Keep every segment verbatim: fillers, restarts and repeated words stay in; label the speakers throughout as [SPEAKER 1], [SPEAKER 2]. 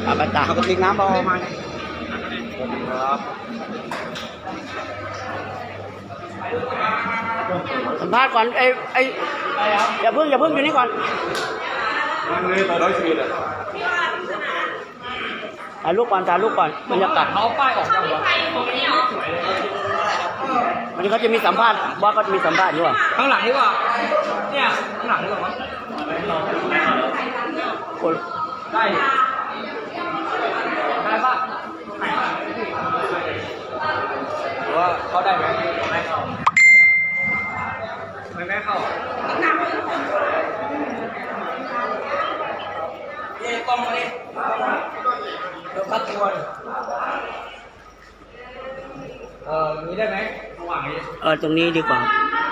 [SPEAKER 1] มาตาเอากระติกน้ำเบามาครับสัมภาษณ์ก่อนไอ้ไอ้อย่าเพิ่งอย่าเพิ่งอยู่นี่ก่อนถ่ายรูปก่อนถ่ายรูปก่อนบรรยากาศเขาป้ายออกยังวะวันนี้เขาจะมีสัมภาษณ์ว่าเขาจะมีสัมภาษณ์ด้วยข้างหลังดีกว่าเนี่ยข้างหลังดีกว่ามั้งคนได้ได้ป่ะหรือว่าเขาได้ไหมไม่เข้าไม่ไม่เข้าเย่กล้องมาดิเดี๋ยวคัดตัวเออนี้ได้ไหมระหว่างนี้เออตรงนี้ดีกว่า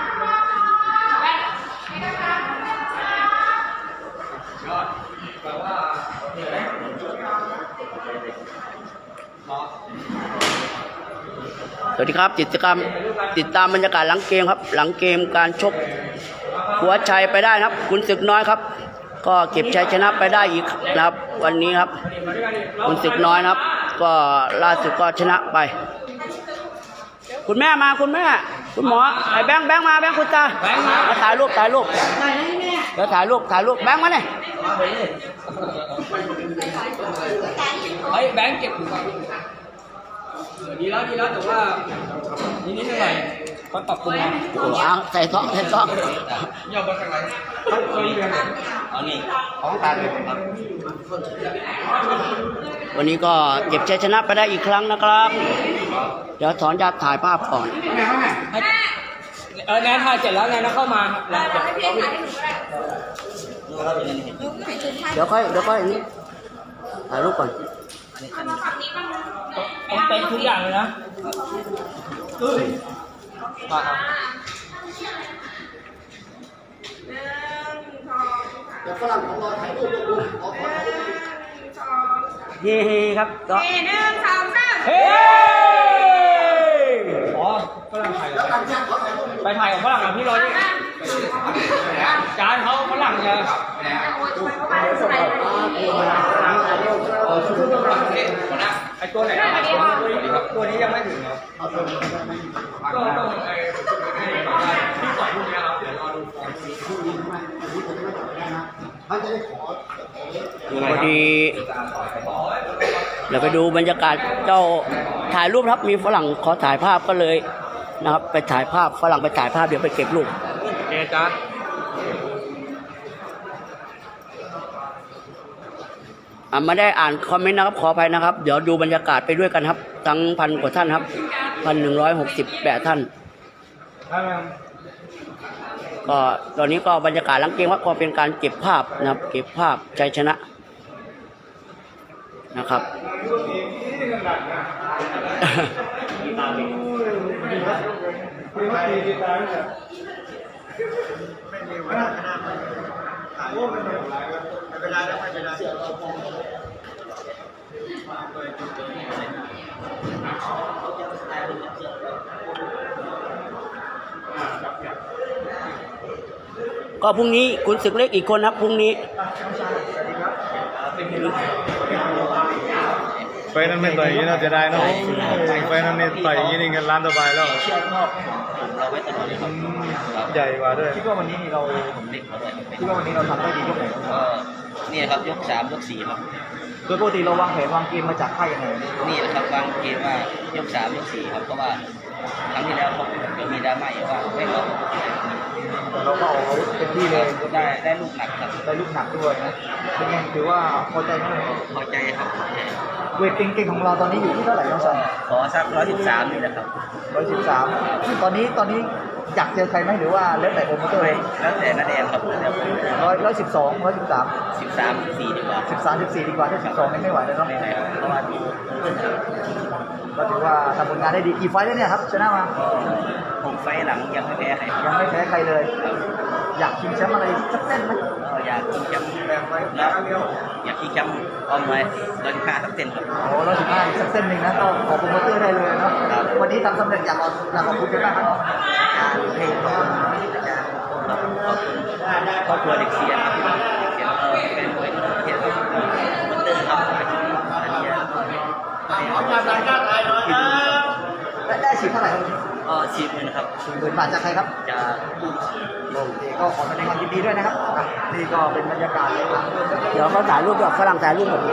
[SPEAKER 1] สวัสดีครับกิจกรรมติดตามบรรยากาศหลังเกมครับหลังเกมการชกหัวชัยไปได้ครับขุนศึกน้อยครับก็เก็บชัยชนะไปได้อีกนะครับวันนี้ครับขุนศึกน้อยนะครับก็ล่าสุดก็ชนะไปคุณแม่มาคุณแม่คุณหมอไอ้แบงค์แบงค์มาแบงค์คุณตามาถ่ายรูปถ่ายรูปเดี๋ยวถ่ายรูปถ่ายรูปแบงค์มาเนี่ยไอ้แบงค์เก็บดีแล้วดีแล้วแต่ว่านิดนิดหน่อยเขาปรับปรุงนะโอ้เอาใส่ซองใส่ซองย่อมาทางไหนเขาเคยเรียนอ๋อนี่ของตาเลยครับวันนี้ก็เก็บชัยชนะไปได้อีกครั้งนะครับเดี๋ยวสอนจะถ่ายภาพก่อนเออแนนถ่ายเสร็จแล้วไงนะเข้ามาเดี๋ยวค่อยเดี๋ยวค่อยนี้ถ่ายรูปก่อนต้องเป็นทุกอย่างเลยนะเดี๋ยวฝรั่งของเราถ่ายรูปดูเฮ้ครับต่อหนึ่งสองสามเฮ้อ๋อฝรั่งถ่ายไปถ่ายของฝรั่งกับพี่รอยนี่จานเขาฝรั่งจะไอตัวไหนตัวนี้ยังไม่ถึงเหรอก็ต้องไอที่สองพวกนี้เราเดี๋ยวรอดูฟอร์มพอดีเดี๋ยวไปดูบรรยากาศเจ้าถ่ายรูปครับมีฝรั่งขอถ่ายภาพก็เลยนะครับไปถ่ายภาพฝรั่งไปถ่ายภาพเดี๋ยวไปเก็บรูปเอ๊ะจ๊ะอ่าไม่ได้อ่านคอมเมนต์นะครับขออภัยนะครับเดี๋ยวดูบรรยากาศไปด้วยกันครับทั้งพันกว่าท่านครับพันหนึ่งร้อยหกสิบแปดท่านก็ตอนนี้ก็บรรยากาศหลังเกมว่าก็เป็นการเก็บภาพนะครับเก็บภาพชัยชนะนะครับก็พรุ่งนี้ขุนศึกเล็กอีกคนครับพรุ่งนี้
[SPEAKER 2] ไฟนั้นไม่ต่อยอย่างนี้เราจะได้เนาะไฟนั้นไม่ต่อยอย่างนี้นี่เงินล้านต่อไปแล้ว
[SPEAKER 3] เชือกนอกเราไว้ตลอดเลยครับ
[SPEAKER 2] ใหญ่กว่าด้วย
[SPEAKER 3] คิดว่าวันนี้เราผมเด็กเขาด้วยคิดว่าวันนี้เราทำได้ดียกไหนก็นี่ครับยกสามยกสี่ครับ
[SPEAKER 4] โดยปกติเราวางแผนวางเกมมาจากค่ายยังไง
[SPEAKER 3] นี่นะครับวางเกมว่ายกสามยกสี่ครับเพราะว่าครั้งที่แล้วเขาเดี๋ยวมีดราม่าว่าไม่ออก
[SPEAKER 4] แต่เราก็เอาเต็มที่เลย
[SPEAKER 3] ได้ได้ลูกหนักครับ
[SPEAKER 4] ได้ลูกหนักด้วยนะเป็นไงถือว่าพอใจไหม
[SPEAKER 3] พอใจครับ
[SPEAKER 4] เวทเก่งๆของเราตอนนี้อยู่ที่เท่าไหร่น้องสัน
[SPEAKER 3] ขอสักร้อยสิบสามนี่แหละครับ
[SPEAKER 4] ร้อยสิบสามตอนนี้ตอนนี้อยากเจอใครไหมหรือว่าแล้วแต่โอมเตอร์
[SPEAKER 3] แล้วแต่นาแดงครับ
[SPEAKER 4] ร้อยร้อยสิบสองร้อยสิบสาม
[SPEAKER 3] สิบสามสิบสี่ดีกว่า
[SPEAKER 4] สิบสามสิบสี่ดีกว่าถ้าสิบสองไม่ไหวแล้วเนาะ
[SPEAKER 3] เพราะว่า
[SPEAKER 4] ก็ถือว่าทำผลงานได้ดีกี่ไฟแล้วเนี่ยครับชนะมา
[SPEAKER 3] หกไฟหลังยังไม่แพ้ใคร
[SPEAKER 4] ยังไม่แพ้ใครเลยอยากชิงแชมป์อะไรสักเส้นไหม
[SPEAKER 3] อยากชิงแชมป์แล้วอยากชิงแชมป์ออมไว้ร้อยสิบห้าสักเส้นครับ
[SPEAKER 4] โอ้ร้อยสิบห้าสักเส้นหนึ่งนะก็ขอโปรโมเตอร์ได้เลยเนาะวันนี้ทำสำเร็จอยากอยากขอบคุณกันมากครับ
[SPEAKER 3] การให้ขอบคุณอาจารย์ขอบคุณครอบครัวเด็กเสียครับเสียแล้วก็เป็นมวยที่เทียบกับโปรโมเตอร์ครับ
[SPEAKER 4] ได้ได้ฉีดเท่าไหร่ครับ
[SPEAKER 3] ก็ฉีดเลยนะครับ
[SPEAKER 4] สี่หมื่นบาทจากใครครับ
[SPEAKER 3] จะ
[SPEAKER 4] โอเคก็ขอแสดงความยินดีด้วยนะครับอ่ะนี่ก็เป็นบรรยากาศหลัง
[SPEAKER 1] เดี๋ยวเขาถ่ายรูปด้วยฝรั่งถ่ายรูปหมด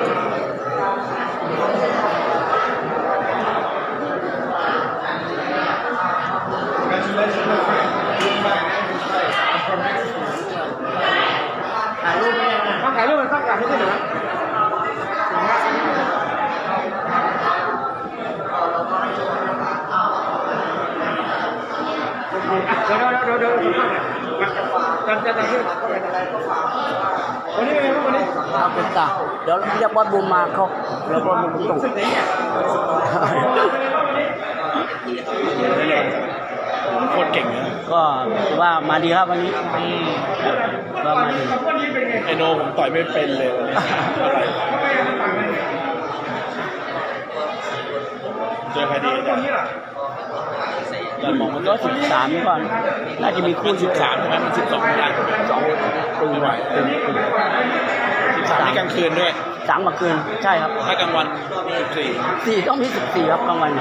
[SPEAKER 4] ถ่ายรูปไม่ได้นะถ่ายรูปมันสักการให้ด้วยนะเดี๋ยวเดี๋ยวเดี๋ยวเดี๋ยวจะจะจะขึ้นก็เป็นอะไรก็ฝากวันนี้เป็นไงบ้างวันนี้
[SPEAKER 1] ครับเป็นตาเดี๋ยวเรียกบอสบูมมาเขาเดี๋ยวบอสบูมส่ง
[SPEAKER 2] โคตรเก่งเลย
[SPEAKER 1] ก็ถือว่ามาดีครับวันนี้ก็มาดี
[SPEAKER 2] ไอโนผมต่อยไม่เป็นเลยวันนี้อะไรเจอใครดีเนี่ยแต่มองมัน
[SPEAKER 1] ก็
[SPEAKER 2] ก็
[SPEAKER 1] สิบสามก่อนน่าจะมีคู่
[SPEAKER 2] สิบสามใช่ไหมมันสิบสองไม่ได้สองตึงไหวสิบสามนี่กลางคืนด้วย
[SPEAKER 1] สามเมื่อคืนใช่ครับ
[SPEAKER 2] ถ้ากลางวันสิบสี่
[SPEAKER 1] สี่ต้องมีสิบสี่ครับกลางวัน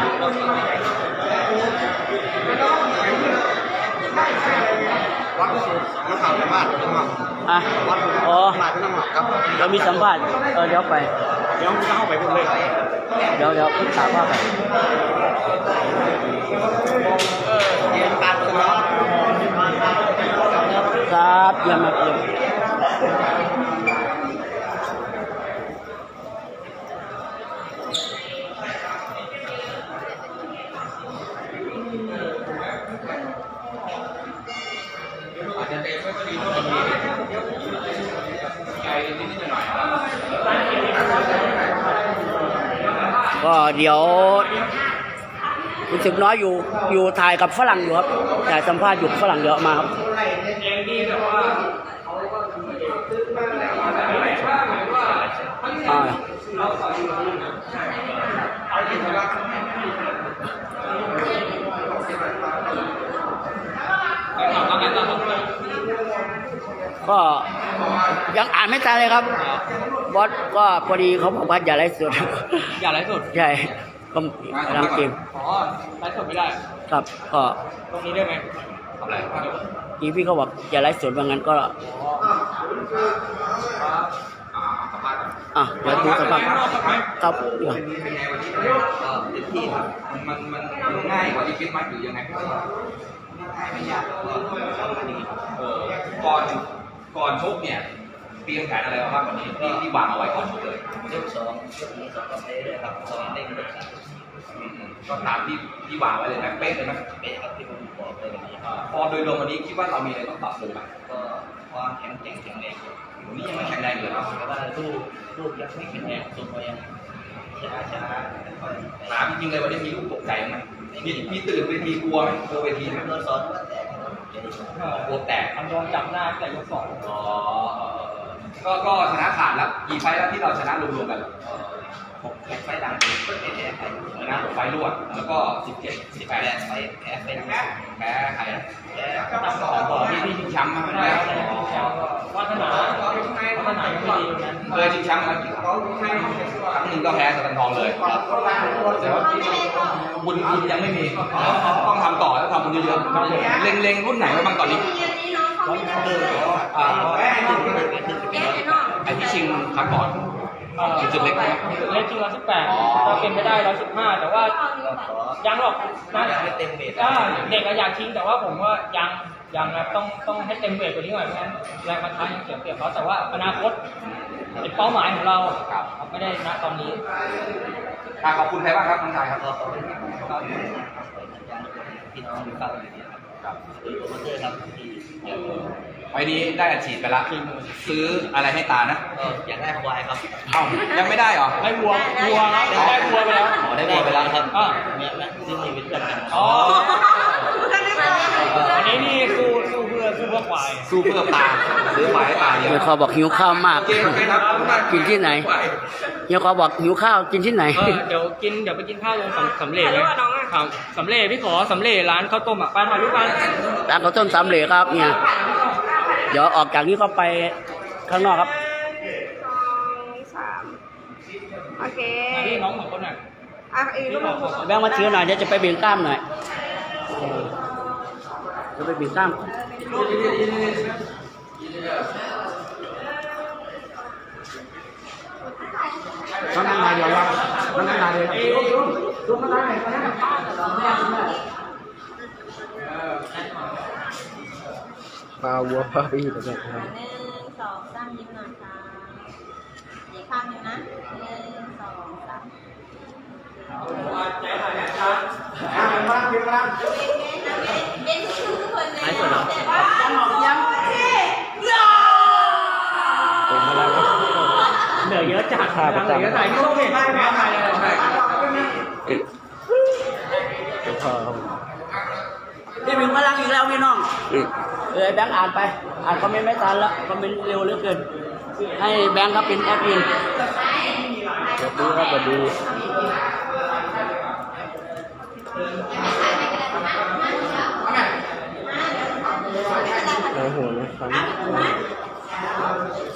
[SPEAKER 4] วัดสุดนักข่าวสัมภาษณ์น้องหม่
[SPEAKER 1] อ่ะ
[SPEAKER 4] ำวัดสุด
[SPEAKER 1] อ๋อ
[SPEAKER 4] มาที่น้องหม่ำครับ
[SPEAKER 1] เรามีสัมภาษณ์เออเดี๋ยวไป
[SPEAKER 2] เดี๋ยวเข้าไปพูดเลย
[SPEAKER 1] เดี๋ยวเดี๋ยวถามว่าไป
[SPEAKER 4] เรียนการตลอด
[SPEAKER 1] ครับเยี่ยมมากเยี่ยมก็เดี๋ยวคุณศึกน้อยอยู่อยู่ถ่ายกับฝรั่งอยู่ครับถ่ายสัมภาษณ์อยู่ฝรั่งเดี๋ยวมาครับอ่าก็ยังอ่านไม่ทันเลยครับบอสก็พอดีเขาบอกว่าอย่าไลฟ์สด
[SPEAKER 3] อย่าไลฟ์สด
[SPEAKER 1] ใช่ก็กำลังเกม
[SPEAKER 3] อ๋อไลฟ์สดไม่ได้
[SPEAKER 1] ครับก็
[SPEAKER 3] ตรงนี้ได้ไหมทำอะไร
[SPEAKER 1] ทีพี่เขาบอกอย่าไลฟ์สดว่างั้นก็อ่ะเดี๋ยวดูสภาพครับเดี๋ยว
[SPEAKER 3] เป็นไงวันนี้ก็เต็มที่ครับมันมันมันง่ายกว่าที่คิดไหมหรือยังไงง่ายไม่ยากก็ทำมาดีเออก่อนก่อนชกเนี่ยเตรียมแผนอะไรบ้างวันนี้ที่ที่วางเอาไว้ก่อนชกเลยยกสองยกนี้สองเต้เลยครับสองเต้ยกสามก็ตามที่ที่วางไว้เลยนะเป๊ะเลยนะเป๊ะครับที่ผมบอกเลยวันนี้พอโดยรวมวันนี้คิดว่าเรามีอะไรต้องปรับปรุงไหมก็ความแข็งแกร่งแข็งแรงวันนี้ยังไม่แข็งแรงเลยครับแต่ว่าลูกลูกยังไม่แข็งแรงตัวยังช้าช้าถามจริงๆเลยวันนี้มีลูกตกใจไหมมีมีตื่นเวทีกลัวไหมกลัวเวทีไหมโดนสอนว่าแตกกลัวแตกมันโดนจับหน้าแต่ยกสองอ๋อก็ก็ชนะขาดแล้วกี่ไฟแล้วที่เราชนะรวมๆกันหกไฟดังก็แพ้ใครชนะหกไฟรวดแล้วก็สิบเจ็ดสิบแปดไฟแพ้ไฟดังแพ้ใครแพ้ของบอกที่ที่ชิงแชมป์มาแล้ววัฒนาวัฒนายังไม่ดีนั้นเคยชิงแชมป์มากี่ครั้งครั้งหนึ่งก็แพ้สแตนทองเลยแต่ว่าบุญคุณยังไม่มีต้องทำต่อแล้วทำบุญเยอะๆเล็งๆรุ่นไหนไว้บ้างตอนนี้ไอ้ที่ชิงครั้งก่อนจุดเล็กนะ
[SPEAKER 5] เล็กจริงร้อยสิบแปดเราเป็นไม่ได้ร้อยสิบห้าแต่ว่ายังหรอกนะ
[SPEAKER 3] ไม่เต็มเบ็ด
[SPEAKER 5] ก็เด็กอะอยากชิงแต่ว่าผมว่ายังยังนะต้องต้องให้เต็มเวทกว่านี้หน่อยเพราะงั้นแรงประทะยังเสียเปรียบเขาแต่ว่าอนาคตเป็นเป้าหมายของเราไม่ได้ณตอนนี้
[SPEAKER 3] ขอบคุณใครบ้างครับน้องชายครับ
[SPEAKER 4] ขอบคุณครับพี่น้องอยู่ข้างอยู่เนี่ยครับโดยโปรโมเตอร์ครับที่
[SPEAKER 3] ไฟนี้ได้อัดฉีดไปละซื้ออะไรให้ตานะ
[SPEAKER 4] ก็อยากได้ควายครับ
[SPEAKER 3] เอ้ายังไม่ได้เหรอ
[SPEAKER 5] ได้วัววัวครับได้วัวไปแล้ว
[SPEAKER 4] อ๋อได้วัวไปแล้วครับ
[SPEAKER 5] อ่า
[SPEAKER 4] เนี่ยแม่ซื้อมีวิทย์กัน
[SPEAKER 5] อ๋ออันนี้นี่สู้สู้เพื่อสู้เพื่อควาย
[SPEAKER 3] สู้เพื่อตาซื้อควายให้ตาเดียว
[SPEAKER 1] เฮียเขาบอกหิวข้าวมาก
[SPEAKER 3] โอเคโอเคครับ
[SPEAKER 1] กินที่ไหนเฮียเขาบอกหิวข้าวกินที่ไหน
[SPEAKER 5] เออเดี๋ยวกินเดี๋ยวไปกินข้าวลงสำสำเร็จเลยครับสำเร็จพี่ขอสำเร็จร้านข้าวต้มอ่ะไปถ่ายรูปกัน
[SPEAKER 1] ร้านข้าวต้มสามเหลยครับเนี่ยเดี๋ยวออกจากนี้ก็ไปข้างนอกครับ
[SPEAKER 6] สองสามโอเค
[SPEAKER 5] มาพี่น้องสองคนน่ะ
[SPEAKER 6] โ
[SPEAKER 4] อ่ะเอ้ลูกลูก
[SPEAKER 1] แบงค์มาถือหน่อยเดี๋ยวจะไปเบี่ยงกล้ามหน่อยเออจะไปเบี่ยงกล้าม
[SPEAKER 4] นั่งนั่งนายเดียวยังนั่งนั่งนายเดียวลูกนั่งนายไหนปลาวัวปลาปีแบบนี้
[SPEAKER 6] หนึ่งสองสามยิ้มหน่อยค่ะอีกข้างหนึ่งนะหนึ่งสองสาม
[SPEAKER 4] บ้านเพียงบ้าน
[SPEAKER 6] เย็นทุกคนเลย
[SPEAKER 5] หายสดเหรอ
[SPEAKER 4] ผมอะไรวะ
[SPEAKER 5] เหลือเยอะจัด
[SPEAKER 4] ถ่ายประจำ
[SPEAKER 5] เหลือถ่ายที่ต้องเห็นถ่ายถ่ายถ่ายถ่าย
[SPEAKER 4] เดี๋ยวพอครับ
[SPEAKER 1] พี่บิงพลังอีกแล้วพี่น้องเออแบงค์อ่านไป อ่านคอมเมนต์ไม่ทันแล้วคอมเมนต์เร็วเหลือเกิน ให้แบงค์ครับเป็นแอดมิน
[SPEAKER 4] สวัสดีครับสวัสดีโอ้โหนะครับ